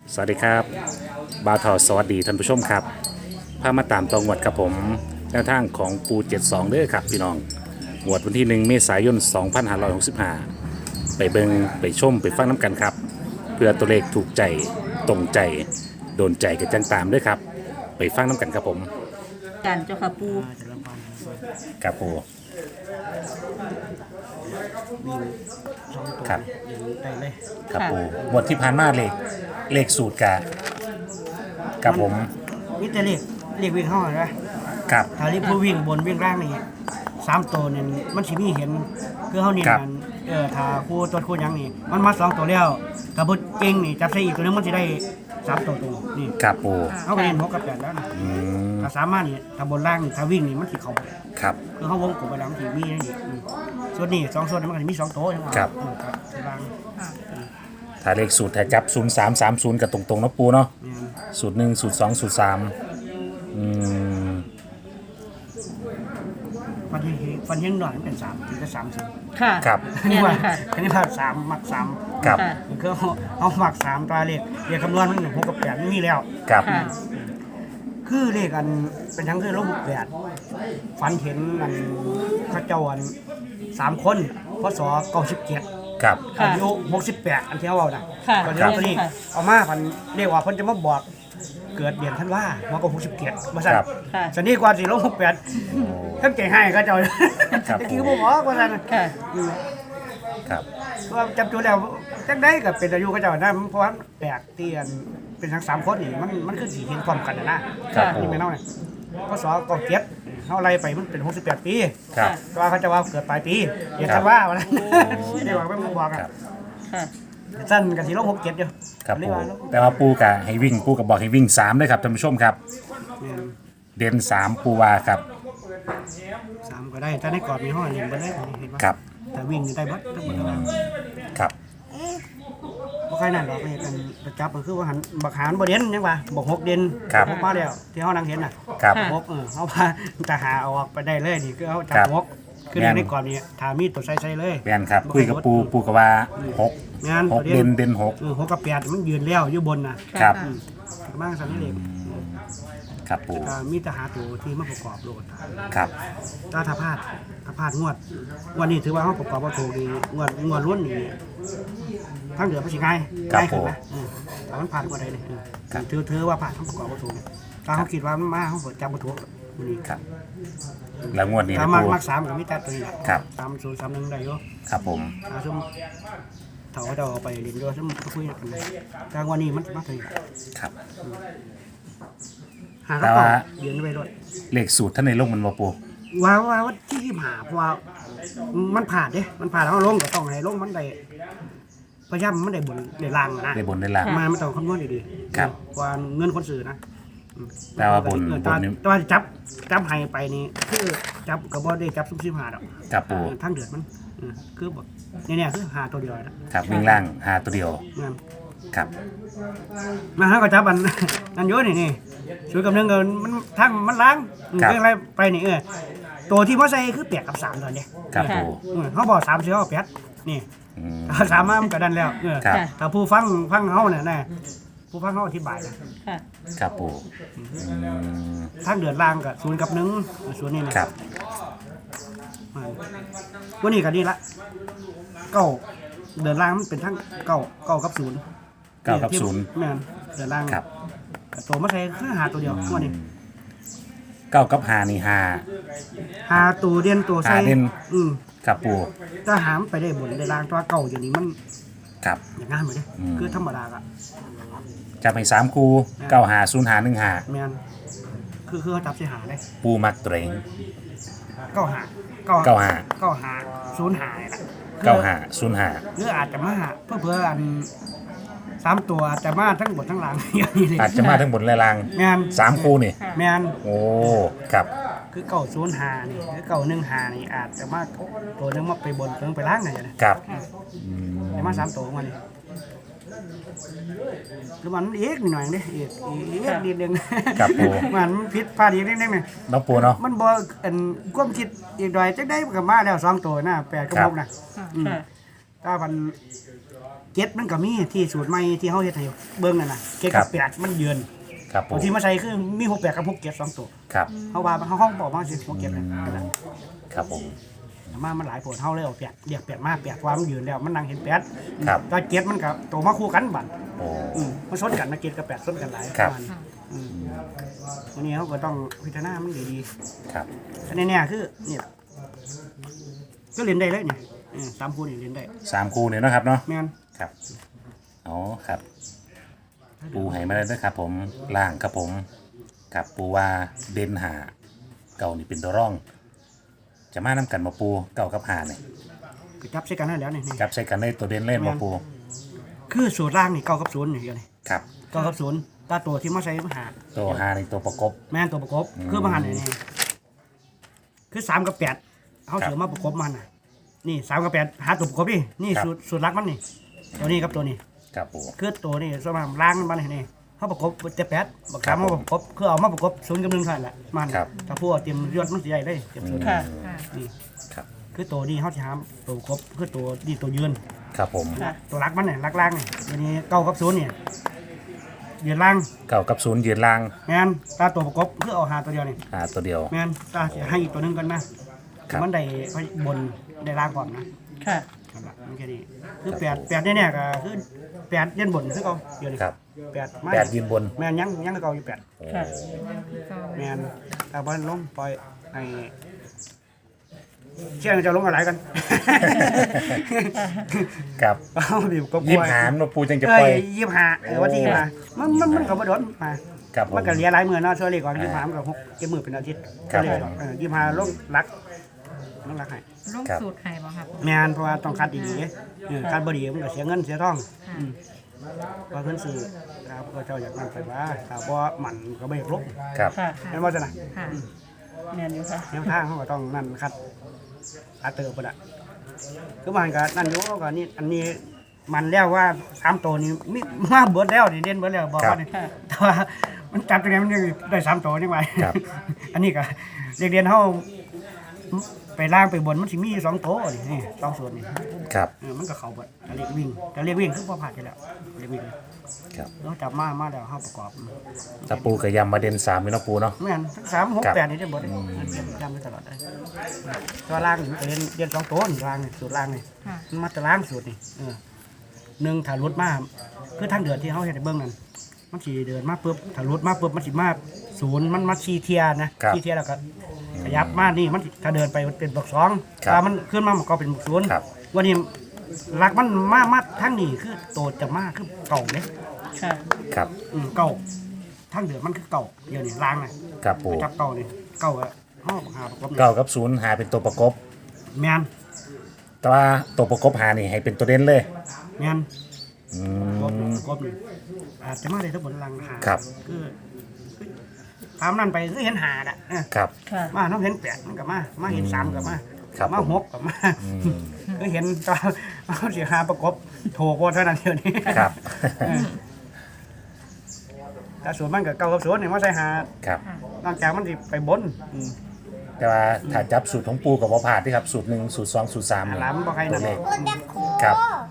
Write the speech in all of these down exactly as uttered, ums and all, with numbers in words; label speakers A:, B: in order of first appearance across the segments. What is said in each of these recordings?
A: สวัสดีครับบาวทอสวัสดีท่านผู้ชมครับพามาตามตองวดกับผมแนวทางของปูเจ็ดสองเด้อครับพี่น้องงวดวันที่หนึ่งเมษายนสองพันห้าร้อยหกสิบห้าไปเบิงไปชมไปฟังน้ำกันครับเพื่อตัวเลขถูกใจตรงใจโดนใจกันจังตามด้วยครับไปฟังน้ำกันครับผม
B: กันเจ้าค่ะปู
A: ครับปู
C: วิ่งสองตัว
A: ครับ
C: ยิงได้เลย
A: ครับปูงวดที่ผ่านมาเลขเลขสูตรกะกับผม
C: มิตรเรียกเรียกวิ่งเข้าใช่ไหม
A: กับ
C: ถ้าเรียกผู้วิ่งบนวิ่งล่างนี่สามตัวเนี่ยมันสิมีเห็นคือเขาเนี่ยมันเออถ้าคู่ตัวคู่หยังนี่มันมาสองตัวแล้วถ้าบุเก่งนี่จับใส่อีกตัวนึงมันจะได้สามตัวตัวนี่
A: กับปู
C: เขาก็เล่นหกกับแปดแล้วนะ
A: อืม
C: ถ้าสามารถนี่ถ้าบนล่างนี่ถ้าวิ่งนี่มันสิเขา
A: ครับ
C: คือเขาวงกลมไปแล้วมันสิมีนี่อืมส่วนนี้สองส่วนนี้มันก็สิมีสองตัวใช่ไหม
A: ครับ
C: เออครับที่ล่าง
A: ถ้าเลขสูตรถ้าจับศูนย์สามสามศูนย์กับตรงๆเนาะปูเนาะ
C: เนี่ย
A: สูตรหนึ่งสูตรสองสูตรสามอืม
C: ฟันที่ฟันที่หน่อยมันเป็นสามถึงจะสามสิบ
B: ค่ะ
A: ครับ
C: อันนี้
B: เนี่ย
C: ว่า
B: ค่ะ
C: อันนี้ว่าสามหมักสาม
A: ครับ
B: ค่ะ
C: คือเอาเอาหมักสามตราเลขเลขคำนวณมันหนึ่งหกกับแปดมันมีแล้ว
A: ครับ
B: ค่ะ
C: คือเลขอันเป็นทั้งคือลบแปดฝันเห็นอันเข้าเจ้าอันสามคนพศเก้าสิบเจ็ด
A: ครับ
B: ค่ะ
C: อายุหกสิบแปดอันที่เขาเอาน่ะ
B: ค่ะ
C: ตอนนี้ตัวนี้
B: ค่ะ
C: เอามาพันเรียกว่าเพิ่นจะมาบอกเกิดเดือนท่านว่ามันก็หกสิบเจ็ดมาสั่น
A: ครับ
B: ค่ะ
C: สันนี้กว่าสี่ลบหกแปดทั้งใจให้ก็เจ้า
A: ครับ
C: ตะกี้ก็บอกว่าสั่น
B: ค่ะ
C: อืม
A: ครับ
C: ว่าจำตัวแล้วจังได้กับเป็นอายุก็เจ้านะเพราะว่าแปลกเตียนเป็นทั้งสามคนนี่มันมันคือสีเห็นความกันนะนะครับ
A: ผม
C: นี่ไม่เน่าเนี่ยพศเก้าเจ็ดเขาไล่ไปมันเป็นหกสิบแปดปี
A: ครับ
C: ก็ว่าเขาจะว่าเกิดปลายปีเดี๋ยว
A: ครั
C: ท่า
A: บ
C: นว่าวันนั้นเดี๋ยวว่าไม่มาบอก
A: ค
C: อ่ะ
A: รับ
B: ค่ะ
C: สั้นกับสีลบหกเจ็ดอยู่
A: ครับ
C: เรีย
A: ปู
C: กว่าลบ
A: แต่ว่าปูกะให้วิ่งปูกับบอกให้วิ่งสามเลยครับท่านผู้ชมครับ
C: เนี่ย
A: เด่นสามปูวาครับ
C: สามก็ได้ถ้าในกรอบมีห้องเรียนไปได้เห็นปะ
A: ครับ
C: แต่วิ่งได้บัดทั้งหมดแล้ว
A: ครับ
C: บ่ใครนั่นหรอกไปกันประจับมันคือว่าหันบักหารบ่เด่นยังวะบอกหกเด่น
A: ครับ
C: หกมาแล้วที่เขานั่งเห็นน่ะ
A: ครับ
B: ค่ะ
C: หกเออเขาพาจะหาเอาออกไปได้เลยนี่คือเขาจับ
A: ครับ
C: หกคือ
A: แม่น
C: ในก่อนนี่ถามีตัวใส่ใส่เลย
A: แมนครับคุยกับปูปูกับว่าหก
C: งาน
A: หกเด่นเด่นหก
C: เออหกกับแปดมันยืนแล้วอยู่บนน่ะ
A: ครับ
B: ค่ะ
C: มากสันนิษฐาน
A: ครับปู
C: ก็มีแต่หาตัวที่มาประกอบโหลด
A: ครับ
C: ถ้าถ้าพลาดถ้าพลาดงวดงวันนี้ถือว่าเขาประกอบว่าถูกดีงวดงวดล้วนนี่ทั้งเดือนมันสิง่ายง่ายขึ้นนะเออแต่มันผ่านกว่าใดเลยเออถือถือว่าผ่านทั้งประกอบว่าถูกถ้าเขาคิดว่ามันมาเขาจำบ่ถูกมันนี่
A: ครับแล้วงวดนี้
C: ถ้า
A: นะ
C: มัก
A: ปู
C: มักสามกับมิตรตัวนี้แหละ
A: ครับ
C: สามศูนย์สามหนึ่งได้อยู่
A: ครับผม
C: ถ้าซุ่มเถาจะเอาไปเรียนด้วยซุ่มคุยกันเลยกลางวันนี้มันมาถึง
A: ครับ
C: หากระเป๋าเรียนไปด้วย
A: เลขสูตรท่านในโลกมันบ่ปู
C: ว่าว่าว่าที่ที่หาเพราะว่ามันผ่านเด้มันผ่านแล้วเอาลงก็ต้องให้ลงมันได้พยายามมันได้บนได้ล่างนะ
A: ได้บนได้ล่าง
C: มามันต้องคำนวณดีๆ
A: ครับ
C: ว่าเงินคนสื่อนะ
A: แปลว่าบน
C: เออบ
A: นนี้
C: แตว่าจับจับให้ไปนี่คือจับกับบ่ได้จับซุ่มซิมหาดอก
A: ครับปู
C: ทั้งเดือดมันเออคือแบบเนี่ยๆคือหาตัวเดียวนะครับ
A: วิ่งล่างหาตัวเดียว
C: นั่น
A: ครับ
C: มาหาก็จับอัน อันเยอะนี่นี่ช่วยกับเรื่องเงินมันทั้งมันล้างเรื่องอะไรไปนี่เออตัวที่มาใส่คือแปดกับสามตอนเนี้ย
A: ครับปู
C: เออเขาบอกสามเสียวแปดนี่
A: อืม
C: ถ้าสามมามันก็ดันแล้วเออ
A: ครับ
C: ถ้าผู้ฟังฟังเขาเนี่ยนะผู้ฟังเขาอธิบายนะ
B: ค่ะ
A: ครับปูอืม
C: ทั้งเดือดล่างกับศูนย์กับหนึ่งศูนย์นี่นะครับ อ่าวันนี้ก็นี่ละเก้าเดือดล่างมันเป็นทั้งเก้าเก้ากับศูนย์
A: เก้ากับศูนย์
C: แม่นเดือดล่าง
A: ครับ
C: ตัวมาใส่คือหาตัวเดียววันนี้
A: เก้ากับหานี่หา
C: หาตัวเด่นตัวใส่
A: หาเด่น
C: อืม
A: ครับปู
C: ถ้าหามไปได้บนได้ล่างตัวเก่าอย่างนี้มัน
A: ครับ
C: อย่างงั้นเหมือนเด้
A: อืม
C: คือธรรมดาอะ
A: จะไปสามคูเก้าหาศูนย์หาหนึ่งหา
C: แม่นคือคือเขาจับใส่หาได้
A: ปูมักตัวเอง
C: เก้าหาเก้า
A: เก้าหา
C: เก้าหาศูนย์หาเนี่ยนะ
A: เก้าหาศูนย์หา
C: หรืออาจจะมาเพื่อเพื่ออันสามตัวอาจจะมาทั้งบนทั้งหลัง อย่างนี้เลย
A: อาจจะมาทั้งบนและล่าง
C: แม่น
A: สามคูนี่
C: แม่น
A: โอ้ครับ
C: คือเก่าศูนย์หานี่คือเก่าหนึ่งหานี่อาจจะมาตัวหนึงมาไปบนตัวหนึงไปล่างไงนะ
A: ครับอืม
C: จะมาสามตัวของมันนี่คือมันเอกนิดหน่อยเด้เอกเอกนิดนึง
A: ครับปู
C: มันผิดพลาดอีกนิดนึงเนี่ย
A: น้องปูเนาะ
C: มันบ่อันความคิดอีกหน่อยจักได้ก็มาแล้วสองตัวนะแปดกับ
A: ครั
C: ห
A: บ
C: กนะ
B: ค่ะ
C: อืมถ้าพันเจ็ดมันก็มีที่สูตรใหม่ที่เขาเฮ็ดให้เบิ่งนั่นน่ะเจ็ดกับแปดมันยืน
A: ครับปู
C: บางทีมาใส่คือมีหกแปดกับหกเจ็ดสองตัว
A: ครับ
C: เขาว่าเขาห้องบอกว่าสิหกเจ็ดนั่นนั่น
A: ครับผม
C: แต่มามันหลายผลเท่าเลยเอาแปดเรียกแปดมาแปดความนยืนแล้วมันนั่งเห็นแปด
A: ครับ
C: ตอนเจ็ดมันก็โตมาคู่กันบัด
A: โอ้
C: อืมมันชนกันนะเจ็ดกับแปดชนกันหลาย
A: ครับ
C: ประมาณอืมวันนี้เขาก็ต้องพิจารณามันดี
A: ครับ
C: ๆอันนี้เนี่ยคือนี่แหละก็เรียนได้เลยเนี่ยอืมสามคู่นี่เรียนได้
A: สามคู่เนี่ยเนาะครับเนาะ
C: แม่น
A: ครับอ๋อครับ ปูให้มาเลยนะครับผมล่างครับผมกับปูว่าเด่นหาเก่านี่เป็นตัวร่อง จะมาน้ำกันมาปูเก่ากับหาเนี่ย
C: ก็จับใช้กันได้แล้วนี่นี่
A: จับใส่กันได้ตัวเด่นเล่นมาปู
C: คือสูตรล่างนี่เก้ากับศูนย์นี่เดียวนี่
A: ครับ
C: เก้ากับศูนย์ตาตัวที่มาใช้มาหา
A: ตัวหาในตัวประกบ
C: แม่นตัวประกบคือมาหันนี่นี่คือสามกับแปดเขาเสือมาประกบมันน่ะนี่สามกับแปดหาตัวประกบดินี่สูตรสูตรลักมันนี่ตัวนี้กับตัวนี้
A: ครับปู
C: คือตัวนี้ส่วนมากล้างมันนี่เขาประกบเจ็ดแปดบักสามเขาประกบคือเอามาประกบศูนย์กับหนึ่งเท่านั้นแหละมันถ้าพวกเตรียมยอดมันสิใหญ่เลยเตรียมศูนย์
B: ค่ะ
C: นี่
A: ครับ
C: คือตัวนี้เขาจะหาตัวประกบคือตัวนี่ตัวยืน
A: ครับผม
C: ตัวรักมันเนี่ยรักล่างเนี่ยตัวนี้เก้ากับศูนย์เนี่ยยืนล่าง
A: เก่ากับศูนย์ยืนล่าง
C: แมนตาตัวประกบคือเอาหาตัวเดียวนี่
A: หาตัวเดียว
C: แมนตาจะให้อีกตัวหนึงกันนะครับ มันได้บนได้ล่างก่อนนะ
B: ค่ะ
C: นั่นล่ะมันแค่นี้คือแปดแปดเนี่ยก็คือแปดเย็นบนคือเขาเดียวนี่
A: ครับ
C: แปดมา
A: แปดยืนบน
C: แมนยังยังเก่าอยู่แปด
A: โอ้
B: ค่ะ
C: แมนแต่บอลลงปล่อยให้เชื่อจะลงอะไรกัน
A: ครับ
C: เอาดิก็
A: ยิบหามมาปูจังจะ
C: เอ้
A: ปล่อย
C: ยยี่ห้าเออวันที่มามันมันมันก็บ่โดนมา
A: ครับผม
C: มันก็เหลียหลายมือเนาะช่วยเลยก่อนยี่ห้ามันก็หกเจ็ดมือเป็นอาทิตย์
A: ครับ
C: ก็เลย
A: ผม
C: เออยี่ห้าลงรักลงรักให้
D: ลงสูตรไข่บ่ครับ
C: แมนเพราะว่าต้องคัดดีๆเออคัดบ่ดีมันก็เสียเงินเสียทองอืมเพราะเพิ่นซื้อครับก็เจ้าอยากนั่นไปว่าถ้าบ่หมั่นก็บ่อยากลบ
A: ครับ
B: ค่ะ
C: แม่นบ่จ้ะนะ
D: ค่ะ
B: แม่นอยู่ค่ะ
C: แนวทางเขาก็ต้องนั่นคัดคัดเติบบ่ล่ะคือมันก็นั่นอยู่ก็นี่อันนี้มันแล้วว่าสามตัวนี้มีมาเบิดแล้วนี่เด่นเบิดแล้วบอกว่านี่
B: ค่ะ
C: แต่ว่ามันจับตัวนี้มันยังได้สามตัวนี่ไว้
A: ครับ
C: อันนี้ก็เรียนเรียนเขาไปล่างไปบนมันสิมีสองตัวนี่นี่สองส่วนนี่
A: ครับ
C: เออมันก็เข้าเบิดแต่เรียกวิ่งแต่เรียกวิ่งคือพอผ่านไปแล้วเรียกวิ่ง
A: ครับ
C: เราจับมามาแล้วเขาประกอบ
A: ตะปูกับยำมาเด่นสามมีเนาะปูเนาะ
C: ไม่งั้นทั้งสามหก
A: ครับ
C: แปดนี่ได้หมดเลยจำได้ตลอดเลยตัวล่างนี่มันก็เรียนเรียนสองตัวนี่ล่างนี่สูตรล่างนี่
D: ค่ะ
C: มันมาแต่ล่างสูตรนี่เออหนึ่งถ้ารถมาคือทางเดือนที่เขาเห็นในเบื้องนั้นมันสีเดินมาปุ๊บถ้ารถมาปุ๊บมันสีมาศูนย์มันมาชีเทียนะครับ ชีเทียแล้วก็ขยับมานี่มันสิถ้าเดินไปมันเป็นบวกสอง
A: ครับ
C: ถ้ามันขึ้นมามันก็เป็นบวกศูนย์
A: ครับ
C: วันนี้หลักมันมามาทั้งนี้คือโตจะมาคือเก่าเนี่ย
B: ค่ะ
A: ครับ
C: อืมเก่าทั้งเดือนมันคือเก่าเดี๋ยวนี้ล้างน่ะ
A: ครับปู
C: จับเก่านี่เก่าอะห้องหาประกอบนี่
A: เก้ากับศูนย์หาเป็นตัวประกบ
C: แมน
A: แต่ว่าตัวประกบหานี่ให้เป็นตัวเด่นเลย
C: แมน
A: อื
C: กบ
A: ม
C: กบนี่อาจจะมาได้ทั้งหมดลังหา
A: ครับ
C: คือตามนั่นไปคือเห็นหาอ่ะเออ
A: ครับ
B: ค่ะ
C: มาน้องเห็นแปดมันกับมา มาเห็นสามกับมา
A: ครับ
C: มา
A: ผม
C: หกกับมา
A: อืม
C: คือเห็นตอนเอาเสียหาประกบโถกว่าเท่านั้นเดียวนี้
A: ครับ
C: แต่ส่วนมันกับเก่ากับส่วนนี่มาใส่หา
A: ครับ
C: นอกจากมันสิไปบนอืม
A: แต่ว่าถ้าจับสูตรของปูกับว่าผ่านที่ครับสูตรหนึ่งสูตรสองสูตรสาม
C: หา
A: เนี่ย
C: หลามบ่ใคร
A: ตั
C: นั่
A: วน เลข
C: อืม
A: ครับ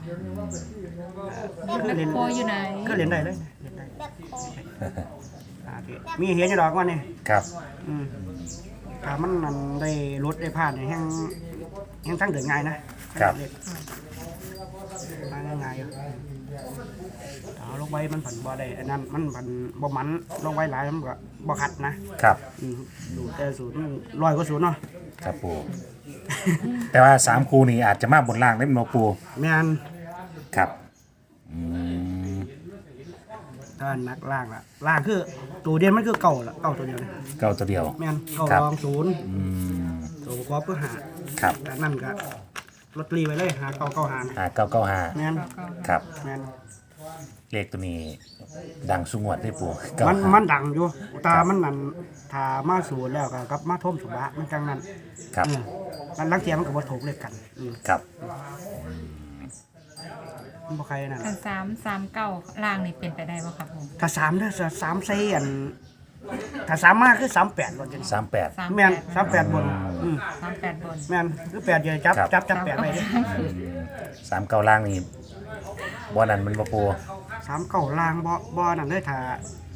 C: คือเรียน
D: โคอยู่ไหน
C: ก็เรียนได้เลยเรียนได้อ่าที่มีเห็นอยู่ดอกว่านี่
A: ครับ
C: อืมถ้ามันนั่นได้รถได้ผ่านเนี่ยแห้งแห้งทั้งเดินง่ายนะครับ เด็กมาง่ายๆอยู่เอาลงไว้มันผันบ่ได้อันนั้นมันผันบ่มันลงไว้หลายมันก็บ่ขัดนะครับ อืมดูแต่ศูนย์ร้อยกว่าศูนย์เนาะ
A: ครับปูแต่ว่าสามคูนี่อาจจะมาบนล่างได้เป็นโนปู
C: แม่น
A: ครับอืม
C: ถ้านักล่างล่ะล่างคือตัวเดียนมันคือเก่าล่ะเก่าตัวเดียวเลย
A: เก้าตัวเดียว
C: แม่นเก่า
A: ครับ
C: รองศูนย์
A: อืม
C: ตัวประกอบเพื่อหา
A: ครับ
C: แต่นั่นก็ลอตเตอรี่ไว้เลยหาเก่าเก่าหา
A: หาเก้าเก้าห้า
C: แม่น
A: ครับ
C: แม่น
A: เลขตัวนี้ดังสุงวดได้ปูเก้า
C: มัน
A: ห้า
C: มันดังอยู่ตามันนั่นถ้ามาสูนแล้วก็กับมาท่มสุบะมันจังนั้น
A: ครับ
C: เออมันลังเทียมันก็บ่ถูกเลขกันอืม
A: ครับ
C: มันบ่ใครนั่น
D: กันสามสามเก้าล่างนี่เป็นไปได้บ่ครับผม
C: ถ้าสามเด้อถ้าสามใส่อันถ้าสามมาคือสามแปดบนจัง
A: สามแปด
D: สาม
C: แม่น
D: ด
C: สามแปดบนอืม
D: สามแปดบน
C: แม่นคือแปดอย่าจับ
A: ครับ
C: จับจับแปดไว้เด้อ
A: สามเก้าล่างนี่บ่นั้นมันบ่ปู
C: สามเก้าลางบ่บ่นั่นเลยถ้า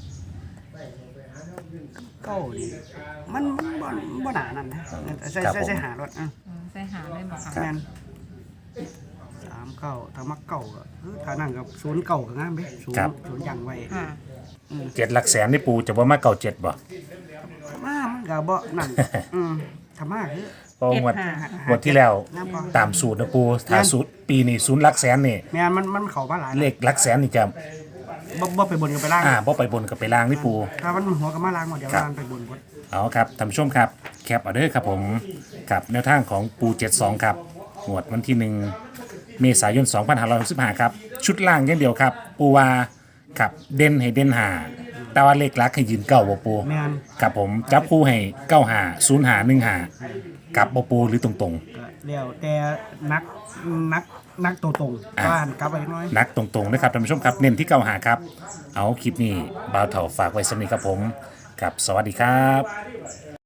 C: เก้านี่มันมันบ่บ่หนานั่นนะใส่ใส่ใส่หารถอ่ะ
D: อืมใส่หาได้บ่ค่ะ
C: แม่นสามเก้าถ้ามักเก้าก็เออถ้านั่นกับศูนย์เก้าก็งามเด้ศูนย์ศูนย์ยังไว้
D: ค่ะ
A: เจ็ดหลักแสนนี่ปูจะบ่มาเก่าเจ็ดบ่
C: มามันก็บ่นั่นอืมถ้ามาคือ
A: เพราะงวด
D: เจ็ดห้า
A: งวดที่แล้ว
C: งามบ่
A: ตามสูตรนะปูถ้าสูตรปีนี้ศูนย์หลักแสนนี่
C: แม่นมันมันเข้ามาหลาย
A: เลขหลักแสนนี่จะ
C: บ่บ่ไปบนกันไปล่าง
A: อ่าบ่ไปบนกับไปล่างนี่ปู
C: ถ้ามันหัวก็มาล่างหมดเดี๋ยว
A: ครับ
C: ล่างไปบนหมด
A: เอาครับท่านผู้ชมครับแคปเอาเด้อครับผมกับแนวทางของปูเจ็ดสองครับงวดวันที่หนึ่งเมษายนสองพันห้าร้อยหกสิบห้าครับชุดล่างอย่างเดียวครับ ปูวาครับเด่นให้เด่นหาแต่ว่าเลขหลักให้ยืนเก้าบ่ปู
C: แม่น
A: ครับผมจับคู่ให้เก้าหาศูนย์หาหนึ่งหากับบ่ปูหรือตรง
C: ก็แล้วแต่นักนักนักตัวตรง
A: อ่ะ
C: บ้านกลับไปน้อย
A: ๆนักตรงๆนะครับท่านผู้ชมครับเน้นที่เก้าหาครับเอาคลิปนี้บ่าวเถ่าฝากไว้สำนี้ครับผมกับสวัสดีครับ